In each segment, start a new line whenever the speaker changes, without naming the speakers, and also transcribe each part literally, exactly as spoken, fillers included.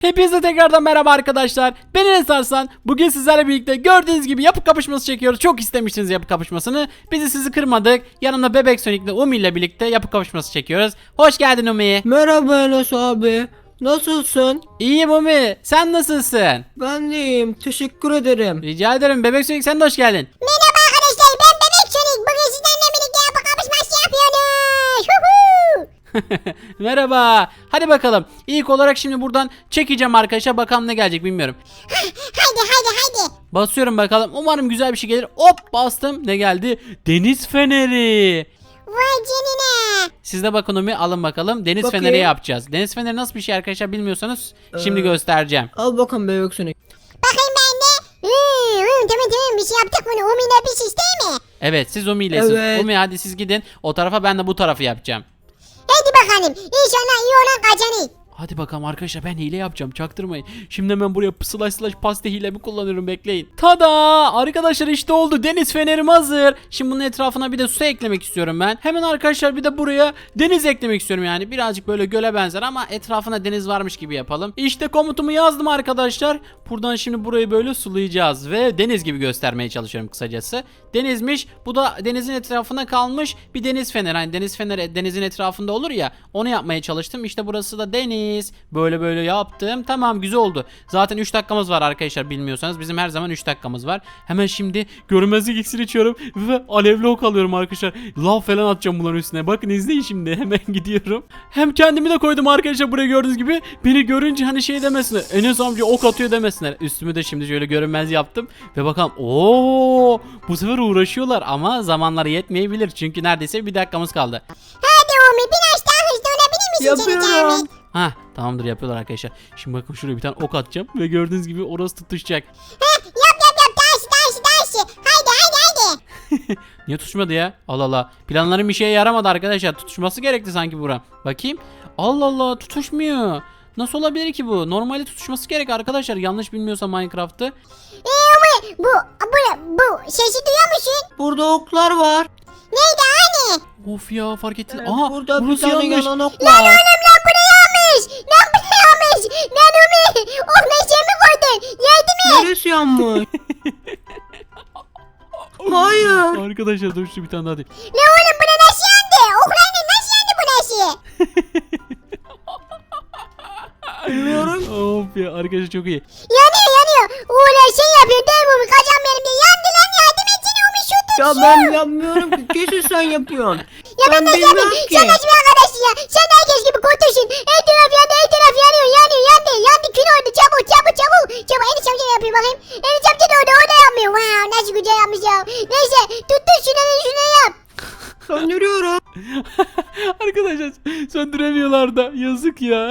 Hepinize tekrardan merhaba arkadaşlar. Ben Enes Arslan. Bugün sizlerle birlikte gördüğünüz gibi yapı kapışması çekiyoruz. Çok istemiştiniz yapı kapışmasını. Biz de sizi kırmadık. Yanımda Bebek Sonic ile Umi ile birlikte yapı kapışması çekiyoruz. Hoş geldin Umi.
Merhaba Enes abi. Nasılsın?
İyiyim Umi. Sen nasılsın?
Ben de iyiyim. Teşekkür ederim.
Rica ederim. Bebek Sonic sen de hoş geldin.
Merhaba arkadaşlar, ben Bebek Sonic. Bugün sizlerle birlikte yapı kapışması yapıyoruz. Huhu.
Merhaba. Hadi bakalım. İlk olarak şimdi buradan çekeceğim arkadaşlar. Bakalım ne gelecek bilmiyorum.
Haydi haydi haydi.
Basıyorum bakalım. Umarım güzel bir şey gelir. Hop bastım. Ne geldi? Deniz feneri.
Vay canına.
Siz de bakın Umi, alın bakalım. Deniz
Bakayım.
feneri yapacağız. Deniz feneri nasıl bir şey arkadaşlar bilmiyorsanız şimdi
Ee,
göstereceğim.
Al bakalım bebek Sonic.
Bakayım ben de. Hmm, hmm, tamam tamam bir şey yaptık bunu. Umi'ne bir şey değil mi?
Evet siz Umi ile siz.
Evet.
Umi hadi siz gidin o tarafa, ben de bu tarafı yapacağım.
Hadi bakalım. İnşallah iyi olan kazanır.
Hadi bakalım arkadaşlar, ben hile yapacağım, çaktırmayın. Şimdi hemen buraya slash slash pasta hilemi kullanıyorum, bekleyin. Tada arkadaşlar, işte oldu, deniz fenerim hazır. Şimdi bunun etrafına bir de su eklemek istiyorum ben. Hemen arkadaşlar bir de buraya deniz eklemek istiyorum, yani birazcık böyle göle benzer ama etrafına deniz varmış gibi yapalım. İşte komutumu yazdım arkadaşlar. Buradan şimdi burayı böyle sulayacağız ve deniz gibi göstermeye çalışıyorum kısacası. Denizmiş, bu da denizin etrafına kalmış bir deniz feneri. Hani deniz feneri denizin etrafında olur ya, onu yapmaya çalıştım. İşte burası da deniz. Böyle böyle yaptım. Tamam, güzel oldu. Zaten üç dakikamız var arkadaşlar, bilmiyorsanız. Bizim her zaman üç dakikamız var. Hemen şimdi görünmezlik iksiri içiyorum ve alevli ok alıyorum arkadaşlar. Lav falan atacağım bunların üstüne. Bakın izleyin şimdi. Hemen gidiyorum. Hem kendimi de koydum arkadaşlar buraya, gördüğünüz gibi. Beni görünce hani şey demesinler, Enes amca ok atıyor demesinler. Üstümü de şimdi şöyle görünmez yaptım. Ve bakalım. Oo, bu sefer uğraşıyorlar ama zamanları yetmeyebilir. Çünkü neredeyse bir dakikamız kaldı.
Hadi Umi biraz daha hızlı olabilir misin canım
Yapıyorum.
Ahmet?
Hah, tamamdır, yapıyorlar arkadaşlar. Şimdi bakın şuraya bir tane ok atacağım ve gördüğünüz gibi orası tutuşacak.
Heh, yap yap yap. Daha daha daha. Haydi haydi haydi.
Niye tutuşmadı ya? Allah Allah. Planlarım bir şeye yaramadı arkadaşlar. Tutuşması gerekti sanki buram. Bakayım. Allah Allah, tutuşmuyor. Nasıl olabilir ki bu? Normalde tutuşması gerek arkadaşlar. Yanlış bilmiyorsam Minecraft'ı.
Eee Umi bu, bu, bu sesi duyuyor musun?
Burada oklar var.
Neydi hani?
Of ya, fark ettin.
Evet,
Aha,
burada bir
burası
tane
yanmış.
yanan ok
Lan
var.
oğlum lan bu ne yanmış? Lan bu ne yanmış? Lan Umi oh meşe mi koydun? Yardım et.
Neresi yanmış? Hayır.
Arkadaşlar dur şu bir tane daha değil.
Lan oğlum bu ne nasıl yandı? Oklarla nasıl yandı bu nasıl?
Bilmiyorum.
Of ya arkadaşlar, çok iyi.
Yanıyor yanıyor. Ulan şey yapıyor değil mi Umi? Kacan benim de yandı lan, yardım etsene Umi şu tut
Ya
şu.
ben yapmıyorum ki. Kesin sen yapıyorsun.
Ya ben
Ben
nasıl
bilmiyorum
yapayım?
ki.
Sen nasıl bir arkadaşsın ya? Sen de herkes gibi kurtulsun. Her taraf yandı, her taraf yanıyor, yanıyor, yandı. Yandı, kül oldu. Çabuk, çabuk, çabuk. Çabuk, Enes amca da yapıyor bakayım. Enes amca da orada, o da yapmıyor. Wow, nasıl güzel yapmış ya. Neyse, tuttun şunu, şunu yap.
Söndürüyorum.
Arkadaşlar söndüremiyorlar da, yazık ya.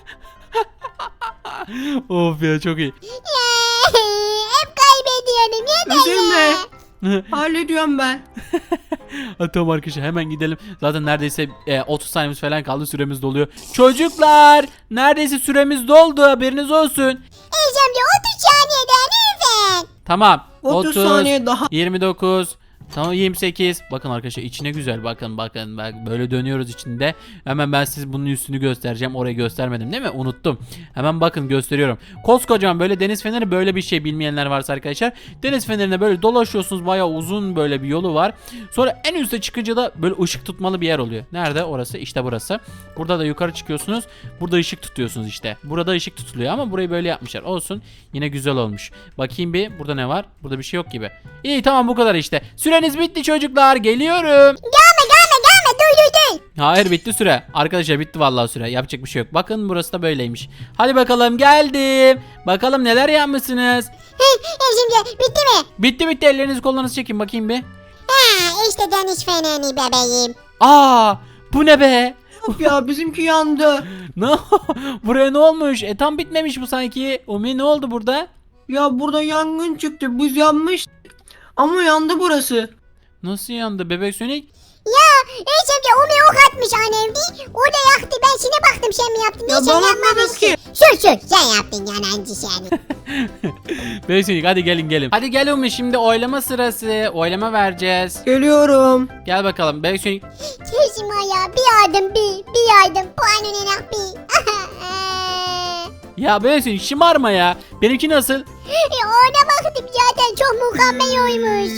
Of ya, çok iyi.
Ya, hep kaybediyorum. Yeter
Üzülme.
ya.
Hallediyorum ben.
Hadi tamam arkadaşlar, hemen gidelim. Zaten neredeyse e, otuz saniyemiz falan kaldı, süremiz doluyor. Çocuklar, neredeyse süremiz doldu, haberiniz olsun.
Enes amca otuz saniye daha lütfen.
Tamam.
otuz saniye daha.
yirmi dokuz. Tamam, yirmi sekiz. Bakın arkadaşlar, içine güzel, bakın bakın bak, böyle dönüyoruz içinde. Hemen ben size bunun üstünü göstereceğim. Orayı göstermedim değil mi? Unuttum. Hemen bakın gösteriyorum. Koskocaman böyle deniz feneri, böyle bir şey bilmeyenler varsa arkadaşlar. Deniz fenerine böyle dolaşıyorsunuz, bayağı uzun böyle bir yolu var. Sonra en üste çıkınca da böyle ışık tutmalı bir yer oluyor. Nerede? Orası işte, burası. Burada da yukarı çıkıyorsunuz. Burada ışık tutuyorsunuz işte. Burada ışık tutuluyor ama burayı böyle yapmışlar. Olsun. Yine güzel olmuş. Bakayım bir, burada ne var? Burada bir şey yok gibi. İyi, tamam, bu kadar işte. Süreniz bitti çocuklar, geliyorum.
Gelme gelme gelme, duy duy duy.
Hayır, bitti süre. Arkadaşlar bitti vallahi süre. Yapacak bir şey yok. Bakın burası da böyleymiş. Hadi bakalım, geldim. Bakalım neler yapmışsınız.
Heh, Enes amca bitti mi?
Bitti bitti, ellerinizi kollarınızı çekin bakayım bir.
Ha işte deniz feneri bebeğim.
Aa, bu ne be?
Of ya, bizimki yandı.
Ne? Buraya ne olmuş? E tam bitmemiş bu sanki. Umi, ne oldu burada?
Ya burada yangın çıktı. Biz yanmış. Ama yandı burası.
Nasıl yandı Bebek Sonic?
Ya Enes amca Umi ok atmış annemdi. O da yaktı. Ben şimdi baktım sen mi yaptın?
Ya
Ne, sen
ben yapmadım
yapmamışsın.
ki.
Sür sür sen yaptın yalancı seni.
Bebek Sonic, hadi gelin gelin. Hadi gel Umi, şimdi oylama sırası. Oylama vereceğiz.
Geliyorum.
Gel bakalım Bebek Sonic.
Kesim ya bir yardım bir bir yardım puanın enak bir.
Ya bebek Sonic şımarma ya. Benimki nasıl?
E, ona baktım zaten çok mükemmel oymuş.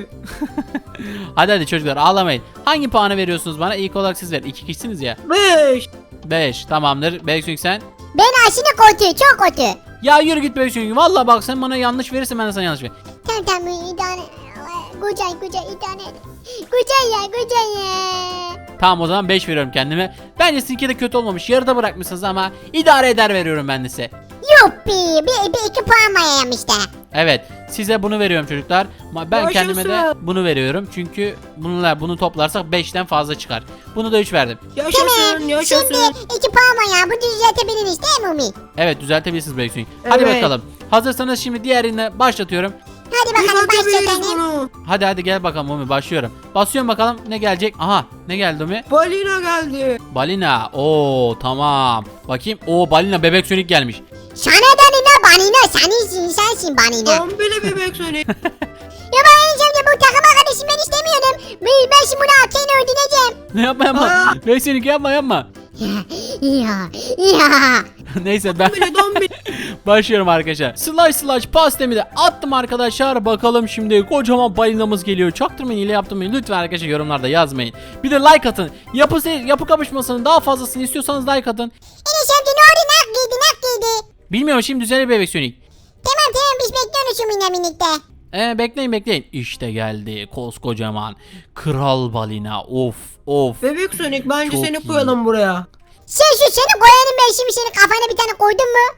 Hadi hadi çocuklar ağlamayın. Hangi puanı veriyorsunuz bana? İlk olarak siz verin. İki kişisiniz ya.
Beş.
beş tamamdır. Bebek Sonic sen?
Ben aşırı kötü çok kötü.
Ya yürü git Bebek Sonic. Valla bak sen bana yanlış verirsen ben de sana yanlış veririm.
Tamam tamam idare. Güzel güzel idare. Güzel ya güzel ya.
Tamam o zaman beş veriyorum kendime. Bence sizinki de kötü olmamış. Yarıda bırakmışsınız ama idare eder veriyorum ben de size.
Yuppi bir, bir iki puan var işte.
Evet size bunu veriyorum çocuklar. Ama ben
Yaşasın.
kendime de bunu veriyorum. Çünkü bununla bunu toplarsak beşten fazla çıkar. Bunu da üç verdim.
Yaşasın
Tamam
yaşasın.
şimdi iki puan var ya bu düzeltebiliriz değil mi Umi?
Evet düzeltebilirsiniz Bebek Sonic. Hadi
Evet.
bakalım. Hazırsanız şimdi diğerine başlatıyorum.
Hadi bakalım
Düzeltebiliriz
başlatalım.
bunu.
Hadi hadi gel bakalım Umi başlıyorum. Basıyorum bakalım ne gelecek. Aha ne geldi Umi?
Balina geldi.
Balina. Oo tamam. Bakayım. Oo balina Bebek Sonic gelmiş.
Sana da ne banina sensin sensin banina.
Dombili bebek Sonic.
Ya ben Enes amca bu takım arkadaşım ben istemiyorum. Ben, ben şimdi bunu hakkını ödeyeceğim.
Ne yapma yapma.
Aa.
Bebek Sonic yapma yapma.
Ya ya.
Neyse ben
Dombili dombili.
başlıyorum arkadaşlar. Slash slash pastemi de attım arkadaşlar. Bakalım şimdi kocaman balinamız geliyor. Çaktırmayın ile yaptım mı? Lütfen arkadaşlar yorumlarda yazmayın. Bir de like atın. Yapı, yapı kapışmasının daha fazlasını istiyorsanız like atın.
Enes amca ne oldu nak giydi nak giydi.
Bilmiyorum şimdi düzelir Bebek Sonic.
Tamam tamam biz bekliyoruz şu minna minikte.
Ee, bekleyin bekleyin. İşte geldi koskocaman kral balina. Of of.
Bebek Sonic bence
Çok
seni
iyi.
koyalım buraya.
Sen şu seni koyanım ben şimdi senin kafana bir tane koydum mu?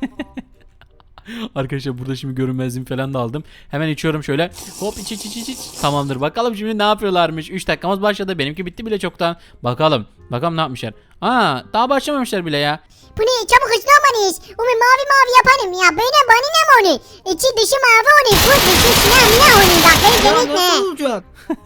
Arkadaşlar burada şimdi görünmezliğimi falan da aldım. Hemen içiyorum şöyle. Hop iç iç iç iç. iç. Tamamdır. Bakalım şimdi ne yapıyorlarmış. üç dakikamız başladı. Benimki bitti bile çoktan. Bakalım. Bakalım ne yapmışlar. Aa daha başlamamışlar bile ya.
Bu ne çabuk hızlı olmalıyız. Umi mavi mavi yaparım ya. Böyle banina mı onu? İçi dışı mavi onu. Bu dışı siyah mina onu. Bak beni
Ya
denetme.
nasıl olacak?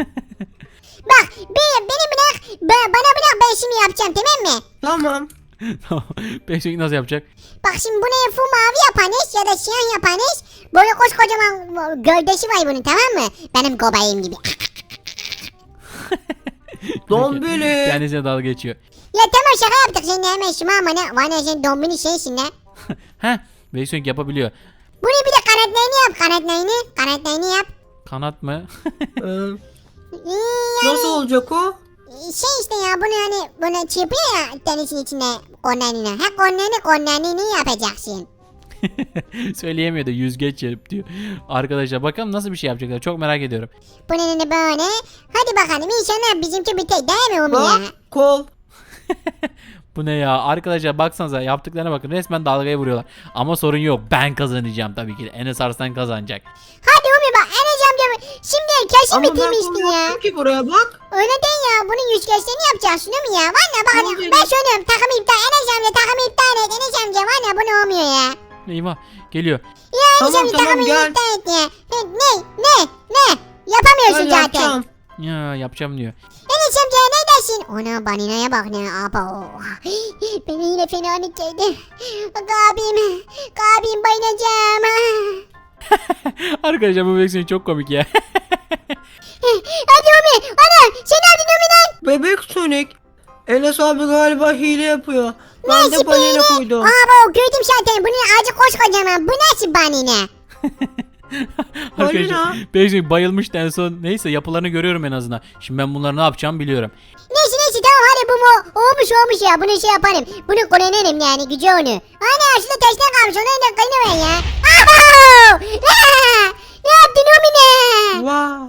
Bak bir, beni bırak. Ba- bana bırak ben şimdi yapacağım tamam mı?
Tamam.
Tamam. Bebek nasıl yapacak?
Bak şimdi bunu full mavi yaparız ya da siyah yaparız. Böyle koskocaman gövdesi var bunun tamam mı? Benim kobayım gibi.
Dombili.
Kendisine dalga geçiyor.
Ya tamam şaka yaptık seninle hemen şıma ama ne? Vay ne sen dombini şeysin ne?
Heh. Bebek yapabiliyor.
Bunu bir de kanatlarını yap kanatlarını. Kanatlarını yap.
Kanat mı?
Ee,
Ee, yani
nasıl olacak o?
şey işte ya bunu hani bunu çırpıyor ya denizin içinde konlarını. Ha konlarını konlarını yapacaksın.
Söyleyemiyor da yüzgeç yarıp diyor. Arkadaşlar bakalım nasıl bir şey yapacaklar. Çok merak ediyorum.
Bunun da böyle. Hadi bakalım inşallah bizimki biter değil mi Umi
Bak
ya?
kol.
Bu ne ya? Arkadaşlar baksanıza yaptıklarına bakın. Resmen dalgaya vuruyorlar. Ama sorun yok. Ben kazanacağım tabii ki de. Enes Arslan kazanacak.
Hadi Umi bak Enes amca şimdi kesin
Ama ben
bitirmiştin
kol
ya.
yaptım ki buraya bak.
Öyle değil ya bunun yüzgeçlerini yapacaksın değil mi ya? Valla bak
Tamam
hadi
dedim.
ben söylüyorum takım iptal Enes amca takım iptal et Enes amca valla bu ne olmuyor ya?
Eyvah. Geliyor.
Ya Enes
Tamam,
amca
tamam,
takımı
gel.
iptal et ya. Ha, Ne ne ne? Yapamıyorsun
Ben
zaten.
yapacağım.
Ya yapacağım diyor.
Enes amca ne dersin? Ona baninaya bak ne abo. Beni yine fenalık geldi. Abim, abim bayılacağım.
Arkadaşlar bu versiyon çok komik ya.
Hadi Umi, ana sen aldın Umi lan.
Bebek Sonic. Enes abi galiba hile yapıyor. Ben
Nasıl
de balina
böyle?
koydum.
Abo gördüm zaten bunun ağacı koskocaman. Bu nasıl banine?
Arkadaşlar
Balina.
versiyon bayılmıştı en son. Neyse yapılarını görüyorum en azından. Şimdi ben bunları ne yapacağım biliyorum.
Neyse neyse tamam hadi bu mu? Olmuş olmuş ya bunu şey yaparım. Bunu kullanırım yani gücü onu. Ana şurada taştan kalmış onu da kaynamayın ya. Abo! Aa! Ne yaptın Umi ne?
Wow.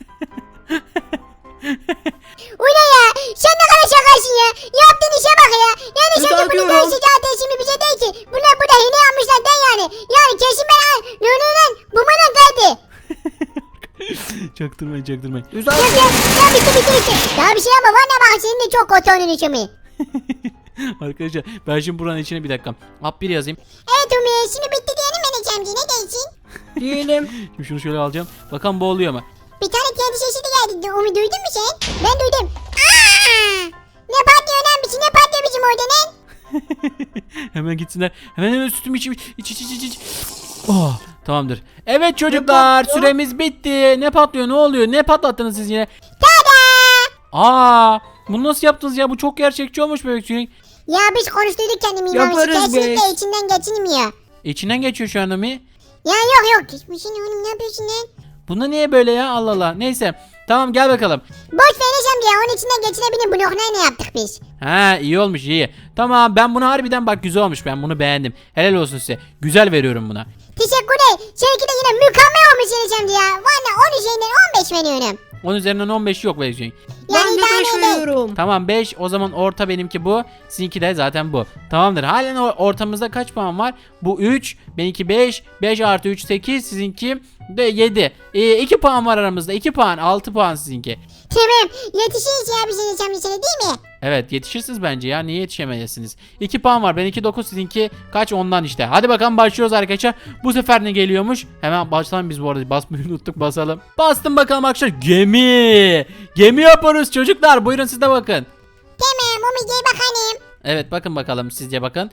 Ula ya sen ne kadar şakasın ya. Yaptığın işe bak ya. Yani sen de bunu
Düzeltiyorum.
değişik zaten şimdi bize değil ki. Bunlar burada hile yapmışlar den yani. Yani kesin ben al. Lan lan lan bu bana geldi.
Çaktırmayın çaktırmayın.
Ya
Güzel.
ya ya bitti bitti bitti. Daha bir şey yapma bana bak senin de çok kötü onun için mi?
Arkadaşlar ben şimdi buranın içine bir dakika. Hap bir yazayım.
Evet Umi şimdi bitti diyelim ben Ecemci ne değilsin?
Diyelim.
Şimdi şunu şöyle alacağım. Bakalım bu oluyor mu?
Bir tane kendi sesi de geldi. Umi duydun mu sen? Ben duydum. Aa! Ne patlıyor lan bizi ne patlıyor bizim orada lan?
Hemen gitsinler. Hemen hemen sütümü içeyim. İç iç iç iç iç. Oh, tamamdır. Evet çocuklar
patlıyor?
süremiz bitti. Ne patlıyor ne oluyor? Ne patlattınız siz yine?
Tada!
Aa, bunu nasıl yaptınız ya? Bu çok gerçekçi olmuş bebek Sonic.
Ya biz konuştuyduk kendimi İmamoğlu.
Yaparız
Kesinlikle
biz.
içinden geçilmiyor.
İçinden geçiyor şu an Umi.
Ya yok yok. Geçmişin oğlum ne yapıyorsun lan?
Bunda niye böyle ya? Allah Allah. Neyse. Tamam gel bakalım.
Boş vereceğim ya onun içinden geçinebilir bloklar ne yaptık biz?
Ha iyi olmuş iyi. Tamam ben bunu harbiden bak güzel olmuş. Ben bunu beğendim. Helal olsun size. Güzel veriyorum buna.
Teşekkürler. Seninki de yine mükemmel olmuş Enes'cim ya. Valla on üzerinden on beş veriyorum.
on üzerinden on beş yok verecek.
Ben de
daha
beş
ne değil.
veriyorum.
Tamam beş o zaman orta benimki bu. Sizinki de zaten bu. Tamamdır. Halen or- ortamızda kaç puan var? Bu üç. Benimki beş. beş artı üç sekiz. Sizinki de yedi. E, iki puan var aramızda. iki puan. altı puan sizinki.
Tamam. Yetişiriz ya biz Enes'cim sana değil mi?
Evet yetişirsiniz bence ya. Niye yetişemeyesiniz? iki puan var. Benimki dokuz. Sizinki kaç? Ondan işte. Hadi bakalım başlıyoruz arkadaşlar. Bu sefer ne geliyormuş? Hemen başlayalım biz bu arada. Basmayı unuttuk basalım. Bastım bakalım arkadaşlar. Gemi. Gemi yapıyoruz çocuklar. Buyurun siz de bakın.
Tamam Umi gel bakalım.
Evet bakın bakalım sizce bakın.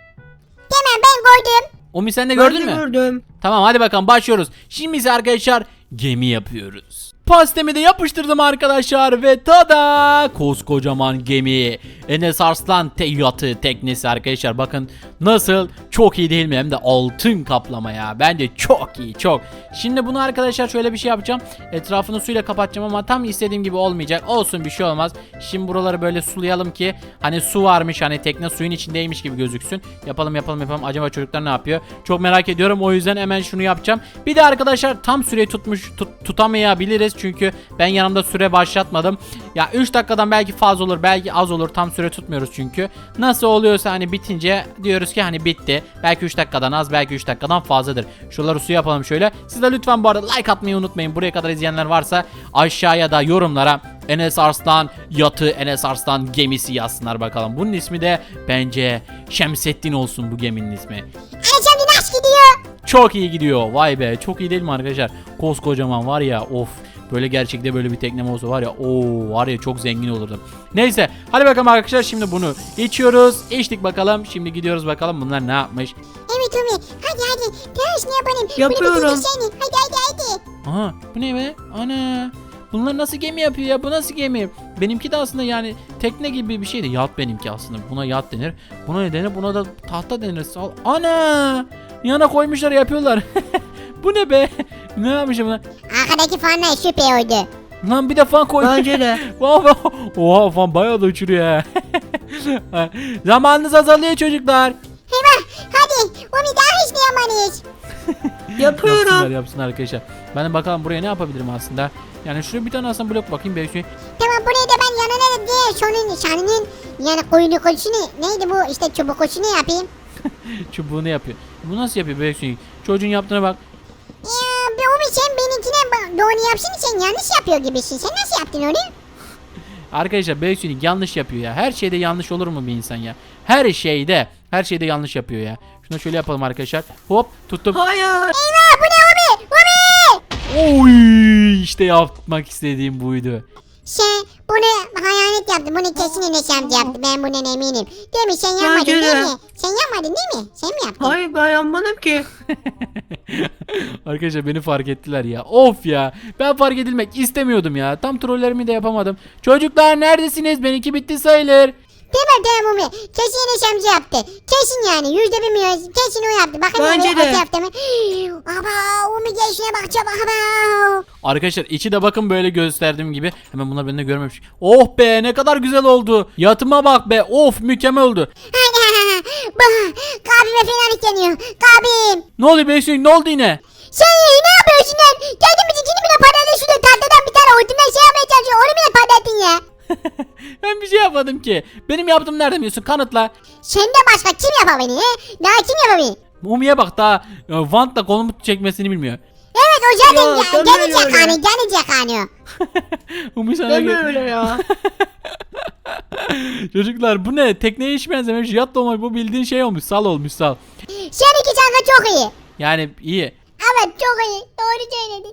Tamam ben gördüm.
Umi sen de
Ben
gördün
de
mü?
gördüm.
Tamam hadi bakalım başlıyoruz. Şimdi ise arkadaşlar gemi yapıyoruz. Pastemi de yapıştırdım arkadaşlar ve tada koskocaman gemi. Enes Arslan te yatı teknesi arkadaşlar bakın nasıl çok iyi değil mi hem de altın kaplama ya bence çok iyi çok. Şimdi bunu arkadaşlar şöyle bir şey yapacağım etrafını suyla kapatacağım ama tam istediğim gibi olmayacak olsun bir şey olmaz. Şimdi buraları böyle sulayalım ki hani su varmış hani tekne suyun içindeymiş gibi gözüksün. Yapalım yapalım yapalım acaba çocuklar ne yapıyor çok merak ediyorum o yüzden hemen şunu yapacağım. Bir de arkadaşlar tam süreyi tutmuş tut, tutamayabiliriz çünkü ben yanımda süre başlatmadım. Ya üç dakikadan belki fazla olur belki az olur tam süre tutmuyoruz çünkü. Nasıl oluyorsa hani bitince diyoruz ki hani bitti. Belki üç dakikadan az belki üç dakikadan fazladır. Şuraları su yapalım şöyle. Siz de lütfen bu arada like atmayı unutmayın. Buraya kadar izleyenler varsa aşağıya da yorumlara Enes Arslan yatı Enes Arslan gemisi yazsınlar bakalım. Bunun ismi de bence Şemsettin olsun bu geminin ismi.
Enes'cim nasıl gidiyor?
Çok iyi gidiyor. Vay be çok iyi değil mi arkadaşlar? Koskocaman var ya of. Böyle gerçekte böyle bir teknem olsa var ya o var ya çok zengin olurdum. Neyse hadi bakalım arkadaşlar şimdi bunu içiyoruz. İçtik bakalım. Şimdi gidiyoruz bakalım bunlar ne yapmış.
Evet Umi hadi hadi. Ters ne yapalım?
Yapıyorum.
Bunu bitirsene. Hadi hadi hadi.
Aha bu ne be? Ana. Bunlar nasıl gemi yapıyor ya? Bu nasıl gemi? Benimki de aslında yani tekne gibi bir şeydi. Yat benimki aslında. Buna yat denir. Buna ne denir? Buna da tahta denir. Sal- Ana! Yana koymuşlar yapıyorlar. Bu ne be? Ne yapmış bunlar?
Arkadaki fanlar süper oldu.
Lan bir de fan koy.
Bence de.
Oha, oha fan bayağı da uçuruyor ha. Zamanınız azalıyor çocuklar.
Hemen hadi Umi daha hiç ne yapamayız.
Yapıyorum.
Yapsınlar yapsınlar arkadaşlar. Ben de bakalım buraya ne yapabilirim aslında. Yani şuraya bir tane aslında blok bakayım belki.
Tamam buraya da ben yanına da diye şunun şanının yani koyunu koşunu neydi bu işte çubuk koşunu yapayım.
Çubuğunu yapıyor. Bu nasıl yapıyor belki? Çocuğun yaptığına bak.
Ya be Umi sen benimkine bak- doğru yapsın sen yanlış yapıyor gibisin. Sen nasıl yaptın onu?
Arkadaşlar Beysunik yanlış yapıyor ya. Her şeyde yanlış olur mu bir insan ya? Her şeyde. Her şeyde yanlış yapıyor ya. Şunu şöyle yapalım arkadaşlar. Hop tuttum.
Hayır.
Eyvah bu ne Umi? Umi!
Oy işte yapmak istediğim buydu.
Sen bunu hayalet yaptın. Bunu kesin Enes amca yaptı. Ben bundan eminim. Değil mi? Sen yapmadın
Bence de.
değil mi? Sen yapmadın değil mi? Sen mi yaptın?
Hayır ben yapmadım ki.
Arkadaşlar beni fark ettiler ya. Of ya. Ben fark edilmek istemiyordum ya. Tam trollerimi de yapamadım. Çocuklar neredesiniz? Benimki bitti sayılır.
Tamam tamam Umi. Kesin Enes amca yaptı. Kesin yani. Yüzde bilmiyoruz. Kesin o yaptı. Bakın
Bence
öyle
de.
o yaptı mı? Aba Umi gel şuna bak çabuk. Aba.
Arkadaşlar içi de bakın böyle gösterdiğim gibi. Hemen bunlar beni de görmemiş. Oh be ne kadar güzel oldu. Yatıma bak be. Of mükemmel oldu.
Bah, kalbime fenalık geliyor. Kalbim.
Ne oluyor Beysunik? Ne oldu yine?
Sen ne yapıyorsun lan? Geldin mi cicini bile patladın şurada tahtadan bir tane hortumdan şey yapmaya çalışıyor. Onu bile patlattın ya.
Ben bir şey yapmadım ki. Benim yaptığım nerede biliyorsun? Kanıtla.
Senden başka kim yapabilir he? Daha kim yapabilir?
Mumi'ye bak daha e, Vant'la kolumu çekmesini bilmiyor.
Evet o zaten
Ya,
ya,
deme
gelecek
öyle.
hani gelecek hani.
Umi sana
Deme
gö-
öyle ya.
Çocuklar bu ne? Tekneye hiç benzememiş. Yat da olmuş. Bu bildiğin şey olmuş. Sal olmuş sal.
Seninki şarkı çok iyi.
Yani iyi.
Evet çok iyi. Doğru söyledin.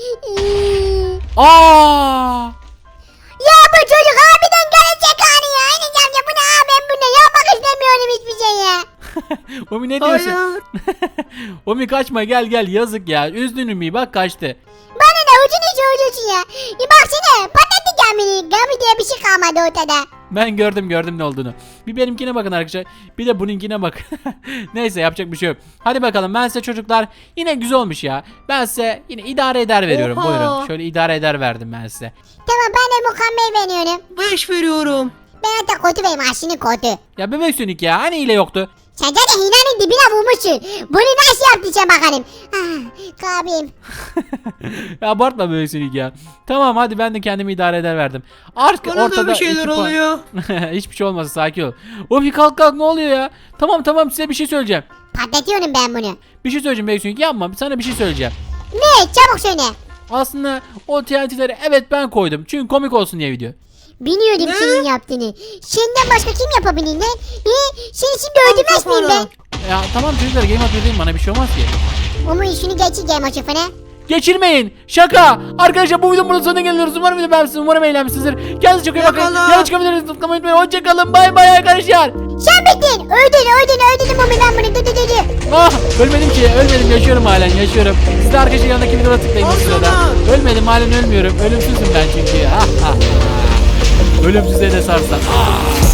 Aa!
Ya bu çocuk harbiden gelecek hani ya. Enes amca bu ne abi ben bunu yapmak istemiyorum hiçbir şey ya.
Umi ne diyorsun?
Hayır.
Umi kaçma gel gel yazık ya. Üzdün Umi'yi bak kaçtı.
Bana da ucunu söylüyorsun ya. Bir baksana patlattı gemini. Gemi diye bir şey kalmadı ortada.
Ben gördüm gördüm ne olduğunu. Bir benimkine bakın arkadaşlar. Bir de bununkine bak. Neyse yapacak bir şey yok. Hadi bakalım ben size çocuklar yine güzel olmuş ya. Ben size yine idare eder veriyorum.
Oha.
Buyurun. Şöyle idare eder verdim ben size.
Tamam ben de mükemmel beğeniyorum.
Beş veriyorum.
Ben hatta kötü benim aşını kötü.
Ya bebek sönük ya hani hile yoktu.
Sen zaten hinanın dibine vurmuşsun. Bunu nasıl yaptın sen bakalım. Ah, kalbim.
Ya abartma bebek sönük ya. Tamam hadi ben de kendimi idare eder verdim. Artık
Bana
ortada
da bir şeyler
iki puan-
oluyor.
Hiçbir şey olmaz sakin ol. O bir kalk kalk ne oluyor ya? Tamam tamam size bir şey söyleyeceğim.
Patlatıyorum ben bunu.
Bir şey söyleyeceğim bebek sönük yapma sana bir şey söyleyeceğim.
Ne? Çabuk söyle.
Aslında o T N T'leri evet ben koydum. Çünkü komik olsun diye video.
Biliyordum
Ne?
senin yaptığını. Senden başka kim yapabilir lan? He? Seni şimdi öldürmez miyim ben?
Ya tamam çocuklar game atmayın bana bir şey olmaz ki.
Ama işini geçeceğim açık fena.
Geçirmeyin. Şaka. Arkadaşlar bu videonun burada sonuna geliyoruz. Umarım video beğenmişsiniz. Umarım eğlenmişsinizdir. Kendinize çok iyi bakın.
Yakala.
Yanlış çıkabilirsiniz. Tıklamayı unutmayın. Hoşçakalın. Bay bay arkadaşlar.
Sen bittin. Öldün öldün öldün Mami ben bunu. Dı dı dı dı.
Ah ölmedim ki. Ölmedim. Yaşıyorum halen. Yaşıyorum. Siz de arkadaşlar yanındaki videoda tıklayın bu
Al
sırada.
sana.
Ölmedim. Halen ölmüyorum. Ölümsüzüm ben çünkü. Ah, ah, ah. Ölümsüzlüğe de sarsan. Ah.